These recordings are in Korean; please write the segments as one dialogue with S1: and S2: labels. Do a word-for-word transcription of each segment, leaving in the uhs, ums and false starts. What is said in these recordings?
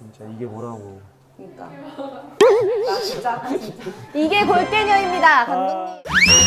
S1: 진짜 이게 뭐라고.
S2: 그러니까 나 진짜 진짜
S3: 이게 골대녀입니다, 감독님.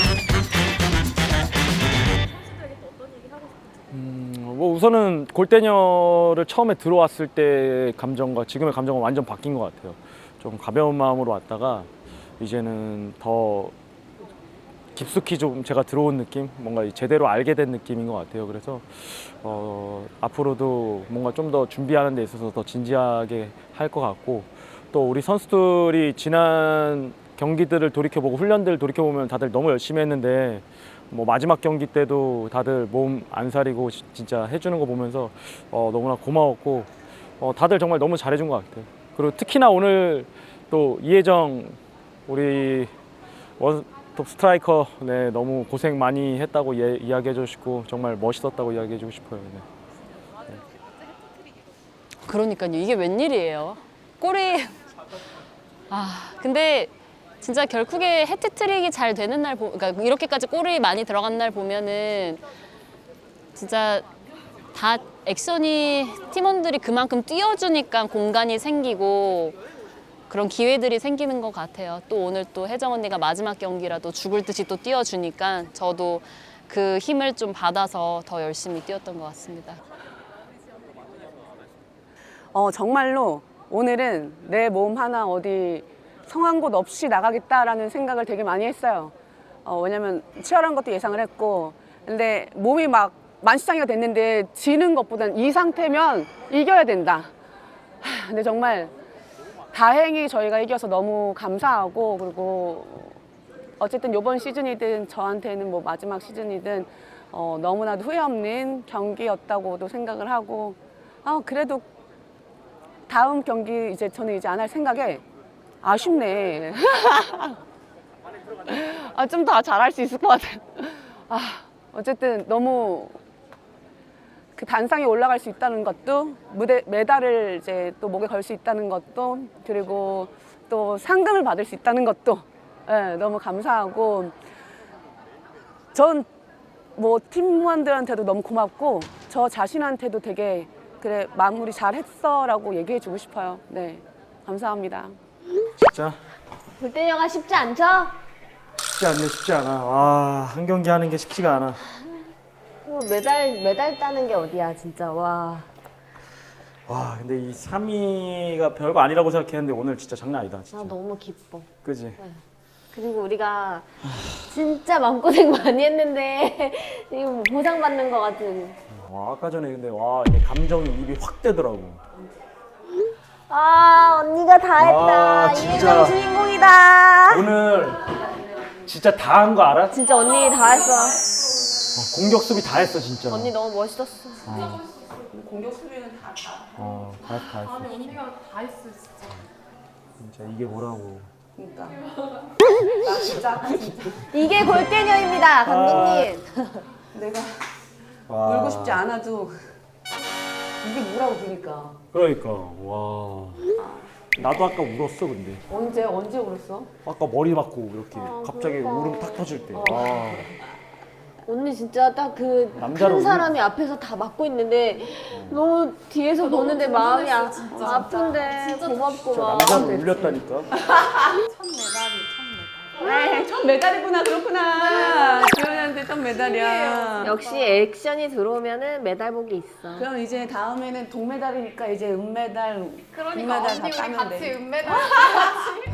S1: 음, 뭐 우선은 골대녀를 처음에 들어왔을 때 감정과 지금의 감정은 완전 바뀐 것 같아요. 좀 가벼운 마음으로 왔다가 이제는 더 깊숙이 좀 제가 들어온 느낌, 뭔가 제대로 알게 된 느낌인 것 같아요. 그래서 어, 앞으로도 뭔가 좀 더 준비하는 데 있어서 더 진지하게 할 것 같고, 또 우리 선수들이 지난 경기들을 돌이켜보고 훈련들을 돌이켜보면 다들 너무 열심히 했는데 뭐 마지막 경기 때도 다들 몸 안 사리고 진짜 해주는 거 보면서 어, 너무나 고마웠고, 어, 다들 정말 너무 잘해준 것 같아요. 그리고 특히나 오늘 또 이혜정 우리 원톱 스트라이커, 네, 너무 고생 많이 했다고 예, 이야기해 주시고 정말 멋있었다고 이야기해 주고 싶어요. 네.
S4: 그러니까요. 이게 웬일이에요. 골이 아 근데 진짜 결국에 해트트릭이 잘 되는 날 보, 그러니까 이렇게까지 골이 많이 들어간 날 보면은 진짜 다 액션이 팀원들이 그만큼 뛰어주니까 공간이 생기고 그런 기회들이 생기는 것 같아요. 또 오늘 또 혜정 언니가 마지막 경기라도 죽을 듯이 또 뛰어주니까 저도 그 힘을 좀 받아서 더 열심히 뛰었던 것 같습니다.
S2: 어 정말로 오늘은 내 몸 하나 어디 성한 곳 없이 나가겠다라는 생각을 되게 많이 했어요. 어, 왜냐면 치열한 것도 예상을 했고, 근데 몸이 막 만시장이가 됐는데 지는 것보단 이 상태면 이겨야 된다. 하, 근데 정말 다행히 저희가 이겨서 너무 감사하고, 그리고 어쨌든 이번 시즌이든 저한테는 뭐 마지막 시즌이든 어, 너무나도 후회 없는 경기였다고도 생각을 하고, 아, 그래도 다음 경기 이제 저는 이제 안 할 생각에 아쉽네. 아, 좀 더 잘할 수 있을 것 같아요. 아, 어쨌든 너무 그 단상에 올라갈 수 있다는 것도, 무대 메달을 이제 또 목에 걸 수 있다는 것도, 그리고 또 상금을 받을 수 있다는 것도, 예, 너무 감사하고, 전 뭐 팀원들한테도 너무 고맙고 저 자신한테도 되게 그래 마무리 잘했어라고 얘기해주고 싶어요. 네, 감사합니다.
S1: 진짜
S3: 골대녀가 쉽지 않죠?
S1: 쉽지 않네, 쉽지 않아. 와, 한 경기 하는 게 쉽지가 않아.
S3: 뭐 메달, 메달 따는 게 어디야, 진짜. 와.
S1: 와, 근데 이 삼 위가 별거 아니라고 생각했는데 오늘 진짜 장난 아니다,
S3: 나
S1: 진짜.
S3: 너무 기뻐.
S1: 그지?
S3: 그리고 우리가 진짜 마음고생 많이 했는데 지금 보상받는 것 같은.
S1: 와, 아까 전에 근데 와, 이게 감정이 입이 확 되더라고.
S3: 아, 언니가 다
S1: 와,
S3: 했다.
S1: 진짜.
S3: 이혜정 주인공이다.
S1: 오늘 진짜 다 한 거 알아?
S3: 진짜 언니 다 했어.
S1: 어, 공격 수비 다 했어, 진짜.
S3: 언니 너무 멋있었어.
S1: 어,
S2: 공격 수비는 다 다.
S1: 어, 다 했어, 다 했어.
S5: 아니 언니가 다 했어 진짜.
S1: 진짜 이게 뭐라고.
S2: 그러니까 나 진짜 진짜
S3: 이게 골대녀입니다, 감독님.
S2: 내가
S1: 와.
S2: 울고 싶지 않아도 이게 뭐라고 그러니까.
S1: 그러니까, 와. 나도 아까 울었어, 근데.
S2: 언제 언제 울었어?
S1: 아까 머리 맞고 이렇게 갑자기
S3: 그러니까.
S1: 울음 탁 터질 때. 와.
S3: 언니 진짜 딱 그
S1: 남자로
S3: 큰 사람이 앞에서 다 막고 있는데 너무 뒤에서 보는데 마음이 아,
S5: 진짜.
S3: 아픈데
S5: 진짜
S3: 고맙고
S1: 진짜
S3: 막.
S1: 남자로 울렸다니까.
S5: 첫 메달이 첫 메달.
S2: 네, 첫 메달이구나. 그렇구나. 주연이한테 첫 메달이야.
S3: 역시 액션이 들어오면은 메달복이 있어.
S2: 그럼 이제 다음에는 동메달이니까 이제 은메달,
S5: 그러니까
S2: 금메달 다
S5: 언니 우리
S2: 따면
S5: 같이
S2: 돼.
S5: 은메달 같이.